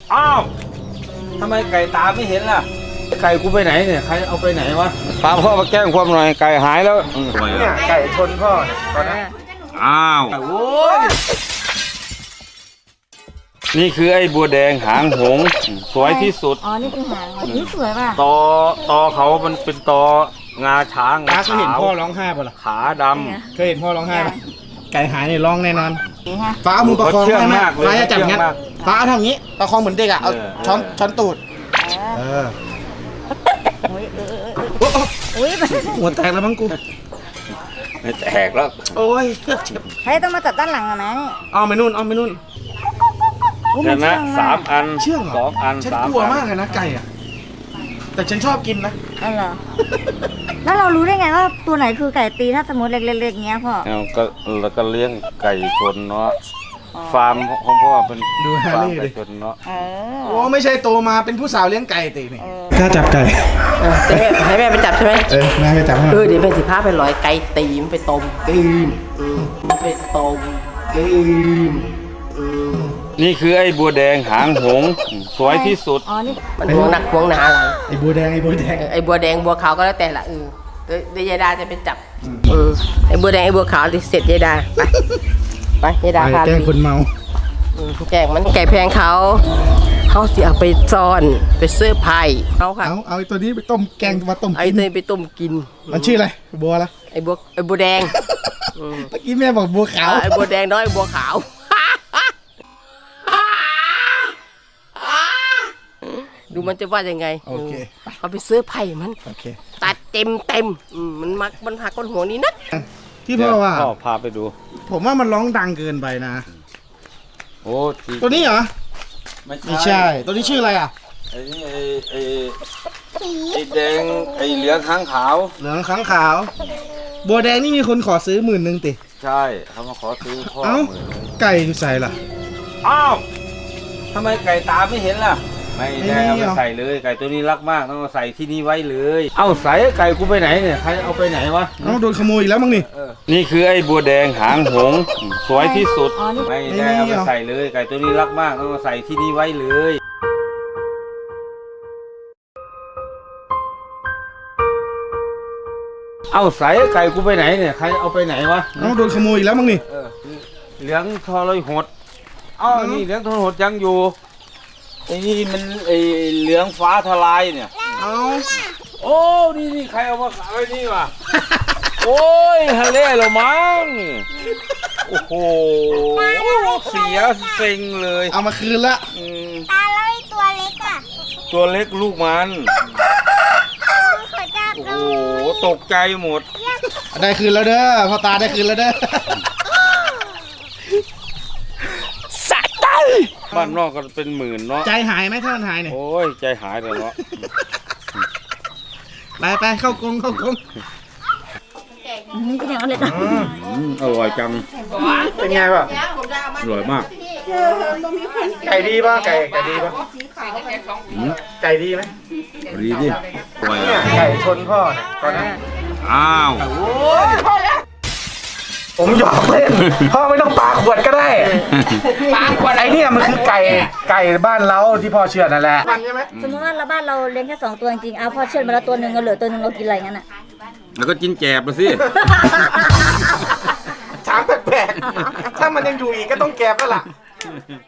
อ้าวทำไมไก่ตาไม่เห็นล่ะไก่กูไปไหนเนี่ยใครเอาไปไหนวะพาพ่อมาแกล้งความหน่อยไก่หายแล้วเนี่ยไก่ชนพ่อเนี่ยตอนนั้นอ้าวโอ้ยนี่คือไอ้บัวแดงหางหงส์สวยที่สุดอ๋อนี่คือหางนี่สวยป่ะตอเขามันเป็นตองาช้างงาขาวเคยเห็นพ่อร้องไห้ป่ะล่ะขาดำเคยเห็นพ่อร้องไห้ป่ะไก่หายเนี่ยร้องแน่นอนนี่ฮะฟ้าเอามือประคองได้ไหมฟ้าฟ้าจะจับงั้นฟ้าทำงี้ประคองเหมือนเด็กอ่ะเอาช้อนตูดอุ้ยหัวแตกแล้วมั้งกูไม่แตกแล้วโอ้ยใครต้องมาจับด้านหลังอ่ะนะนี่เอาไปนู่นเห็นไหม3 อันเชื่องเหรอ 2 อันฉันกลัวมากเลยนะไก่อ่ะแต่ฉันชอบกินนะอ๋อเหรอแล้วเรารู้ได้ไงว่าตัวไหนคือไก่ตีถ้าสมมติเล็กๆเงี้ยพ่อแล้วก็เลี้ยงไก่ชนเนาะฟาร์มของพ่อเป็นดูฮาฟาร์มรี่ไก่ดิชนเนาะโอ้ไม่ใช่โตมาเป็นผู้สาวเลี้ยงไก่ตีนี่กล้าจับไก่ให้แม่ไปจับใช่ไหมแม่ไปจับให้เดี๋ยวแม่สิพาไปลอยไก่ตีมันไปต้มกินมันไปต้มกินนี่คือไอ้บัวแดงหางหงส์สวยที่สุดอ๋อนี่มันห่วงหนักห่วงหนาอะไรไอ้บัวแดงไอ้บัวแดงไอ้บัวแดงบัวขาวก็แล้วแต่ละเดี๋ยวยายดาจะไปจับไอ้บัวแดงไอ้บัวขาวเสร็จยายดาไปยายดาพาแกล้งคนเมาแกงมันไก่แพงเขาเสียไปซ่อนไปเสื้อไผ่เขาค่ะเอาไอ้ตัวนี้ไปต้มแกงมาต้มไอ้ตัวนี้ไปต้มกินมันชื่ออะไรบัวอะไรไอ้บัวแดงเมื่อกี้แม่บอกบัวขาวไอ้บัวแดงน้อยไอ้บัวขาวดูมันจะว่ายังไงโอเคเอาไปซื้อไผ่มันโอเคตัดเต็มมันหักก้นหัวนี้นะที่พ่อว่าพ่อพาไปดูผมว่ามันร้องดังเกินไปนะโอ้ตัวนี้เหรอไม่ใช่ตัวนี้ชื่ออะไรอ่ะไอ้แดงไอ้เหลืองค้างขาวเหลืองค้างขาวบัวแดงนี่มีคนขอซื้อ10,000ติใช่เขามาขอซื้อพ่อไก่อยู่ใส่ล่ะอ้าวทำไมไก่ตาไม่เห็นล่ะไม่ได้เอาไปใส่เลยไก่ตัวนี้รักมากต้องเอาใส่ที่นี่ไว้เลยเอ้าใส่ไก่กูไปไหนเนี่ยใครเอาไปไหนวะโดนขโมยอีกแล้วมั้งนี่นี่คือไอ้บัวแดงหางหงส์สวยที่สุดไม่ได้เอาไปใส่เลยไก่ตัวนี้รักมากต้องเอาใส่ที่นี่ไว้เลยเอ้าใส่ไก่กูไปไหนเนี่ยใครเอาไปไหนวะโดนขโมยอีกแล้วมั้งนี่เหลืองทรหดเอ้านี่เหลืองทรหดยังอยู่ไอ้นี่มันไอ้เหลืองฟ้าทลายเนี่ยโอ้นี่ใครเอามาขายไว้นี่วะโอ้ยทะเลเหรอมั้งโอ้โหเสียเซ็งเลยเอามาคืนละตาแล้วไอ้ตัวเล็กอ่ะตัวเล็กลูกมันโอ้โหตกใจหมดได้คืนแล้วเด้อพ่อตาได้คืนแล้วเด้อบ้านนอกก็เป็นหมื่นเนาะใจหายไหมถ้ามันหายเนี่ยโอ้ยใจหายเลยเนาะไปเข้ากรงนี่ก็ยังเอาเลยนะอร่อยจังเป็นไงป่ะอร่อยมากไก่ดีป่ะไก่ดีป่ะไก่ดีไหมดีดิไก่ชนพ่อเนี่ยตอนนั้นอ้าวผมหยอกเล่นพ่อไม่ต้องปาขวดก็ได้ปาขวดไอ้นี่มันคือไก่บ้านเราที่พ่อเชื่อนั่นแหละใช่ไหมสมมติว่าบ้านเราเลี้ยงแค่2 ตัวจริงๆเอาพ่อเชื่อมาแล้วตัวหนึ่งเราเหลือตัวหนึ่งเรากินอะไรงั้นอ่ะแล้วก็กินแกบไปสิช้างแปลกๆถ้ามันยังอยู่อีกก็ต้องแกบแล้วล่ะ